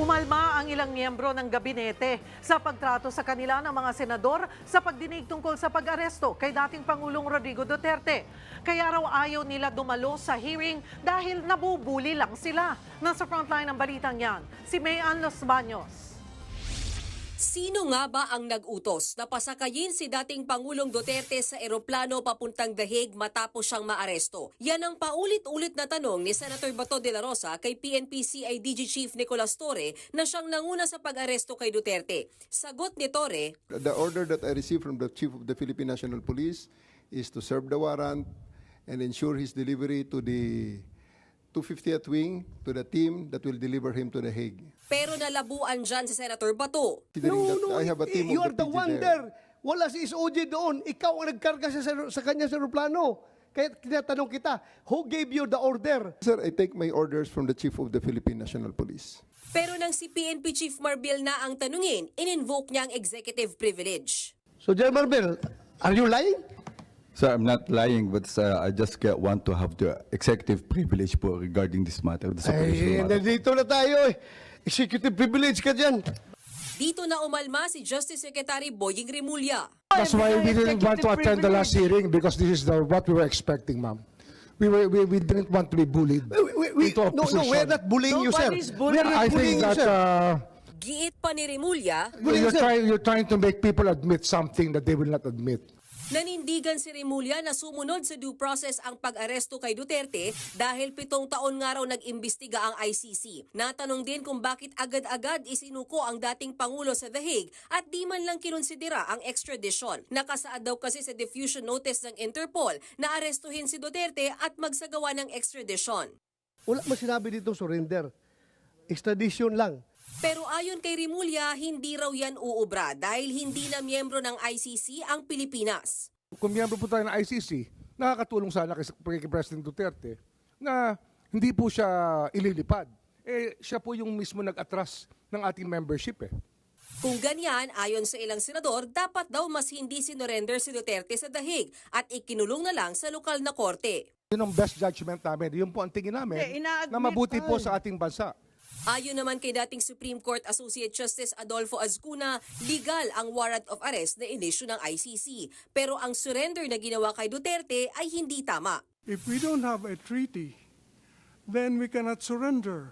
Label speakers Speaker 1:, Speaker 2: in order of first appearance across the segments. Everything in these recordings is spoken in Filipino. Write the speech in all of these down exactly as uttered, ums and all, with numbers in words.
Speaker 1: Umalma ang ilang miyembro ng gabinete sa pagtrato sa kanila ng mga senador sa pagdinig tungkol sa pag-aresto kay dating Pangulong Rodrigo Duterte. Kaya raw ayaw nila dumalo sa hearing dahil nabubuli lang sila. Nasa frontline ng balitang yan, si Mayan Los Baños.
Speaker 2: Sino nga ba ang nag-utos na pasakayin si dating Pangulong Duterte sa eroplano papuntang The Hague matapos siyang maaresto? Yan ang paulit-ulit na tanong ni Senator Bato de la Rosa kay P N P C I D G Chief Nicolas Torre na siyang nanguna sa pag-aresto kay Duterte. Sagot ni Torre,
Speaker 3: The order that I received from the Chief of the Philippine National Police is to serve the warrant and ensure his delivery to the two fiftieth Wing, to the team that will deliver him to The Hague.
Speaker 2: pero nalabuan dyan si Senator Bato.
Speaker 3: Considering
Speaker 4: No,
Speaker 3: that
Speaker 4: no,
Speaker 3: I have a team
Speaker 4: you
Speaker 3: of
Speaker 4: are
Speaker 3: the
Speaker 4: the
Speaker 3: P G
Speaker 4: one
Speaker 3: there.
Speaker 4: there. Wala si S O G doon. Ikaw ang nagkarga sa, sa kanya sa aeroplano. Kaya tinatanong kita, who gave you the order?
Speaker 3: Sir, I take my orders from the Chief of the Philippine National Police.
Speaker 2: Pero nang si P N P Chief Marbil na ang tanungin, in-invoke niya ang executive privilege.
Speaker 4: So, General Marbel, are you lying?
Speaker 5: Sir, I'm not lying, but uh, I just get, want to have the executive privilege po regarding this matter, this
Speaker 4: Ay,
Speaker 5: operational matter.
Speaker 4: nandito na tayo eh. Executive privilege ka dyan.
Speaker 2: Dito na umalma si Justice Secretary Boying Remulla.
Speaker 6: That's why we didn't want to attend the last hearing because this is the, what we were expecting, ma'am. We, were, we, we didn't want to be bullied
Speaker 4: We, we, we,
Speaker 6: into
Speaker 4: no,
Speaker 6: opposition.
Speaker 4: no, we're not bullying you, sir.
Speaker 1: Nobody's
Speaker 4: We're
Speaker 1: bullying.
Speaker 4: not
Speaker 6: I
Speaker 4: bullying
Speaker 6: think
Speaker 4: you,
Speaker 6: that
Speaker 4: sir.
Speaker 6: uh,
Speaker 2: Giit pa ni Remulla,
Speaker 6: you're, trying, you're trying to make people admit something that they will not admit.
Speaker 2: nanindigan si Remulla na sumunod sa due process ang pag-aresto kay Duterte dahil pitong taon nga raw nag-imbestiga ang I C C. Natanong din kung bakit agad-agad isinuko ang dating Pangulo sa The Hague at di man lang kinonsidera ang extradition. Nakasaad daw kasi sa diffusion notice ng Interpol na arestuhin si Duterte at magsagawa ng extradition.
Speaker 4: Wala mo sinabi dito surrender. Extradition lang.
Speaker 2: Pero ayon kay Remulla, hindi raw yan uubra dahil hindi na miyembro ng I C C ang Pilipinas.
Speaker 6: Kung miyembro po tayo ng I C C, nakakatulong sana kay, kay President Duterte na hindi po siya ililipad. Eh, siya po yung mismo nag-atras ng ating membership eh.
Speaker 2: Kung ganyan, ayon sa ilang senador, dapat daw mas hindi sinurrender si Duterte sa The Hague at ikinulong na lang sa lokal na korte.
Speaker 6: Yun ang best judgment namin. Yun po ang tingin namin
Speaker 1: Eh, ina-admit
Speaker 6: na mabuti po
Speaker 1: pa.
Speaker 6: sa ating bansa.
Speaker 2: Ayon naman kay dating Supreme Court Associate Justice Adolfo Azcuna, legal ang warrant of arrest na inisyu ng I C C. Pero ang surrender na ginawa kay Duterte ay hindi tama.
Speaker 7: If we don't have a treaty, then we cannot surrender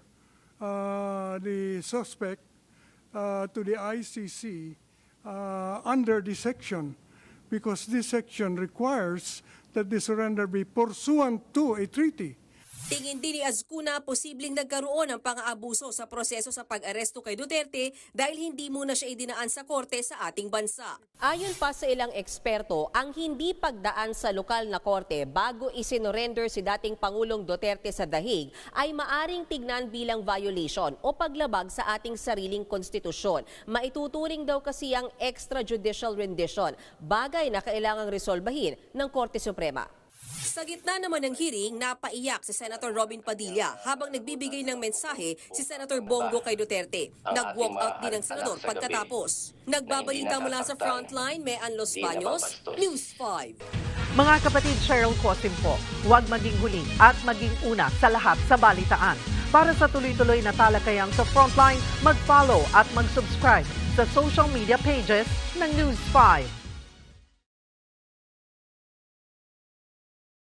Speaker 7: uh, the suspect uh, to the I C C uh, under this section, because this section requires that the surrender be pursuant to a treaty.
Speaker 2: Tingin din ni Azcuna posibleng nagkaroon ng pang-aabuso sa proseso sa pag-aresto kay Duterte dahil hindi muna siya idinaan sa korte sa ating bansa. Ayon pa sa ilang eksperto, ang hindi pagdaan sa lokal na korte bago isinorender si dating Pangulong Duterte sa The Hague ay maaring tignan bilang violation o paglabag sa ating sariling konstitusyon. Maituturing daw kasi ang extrajudicial rendition, bagay na kailangang resolbahin ng Korte Suprema. Sa gitna naman ng hearing, napaiyak si Senator Robin Padilla habang nagbibigay ng mensahe si Senator Bongo kay Duterte. Nag-walk out din ang senador pagkatapos. Nagbabalita mula sa Frontline, Mayan Los Baños, News five.
Speaker 1: Mga kapatid, Cheryl Cosim po, huwag maging huli at maging una sa lahat sa balitaan. Para sa tuloy-tuloy na talakayan sa Frontline, mag-follow at mag-subscribe sa social media pages ng News five.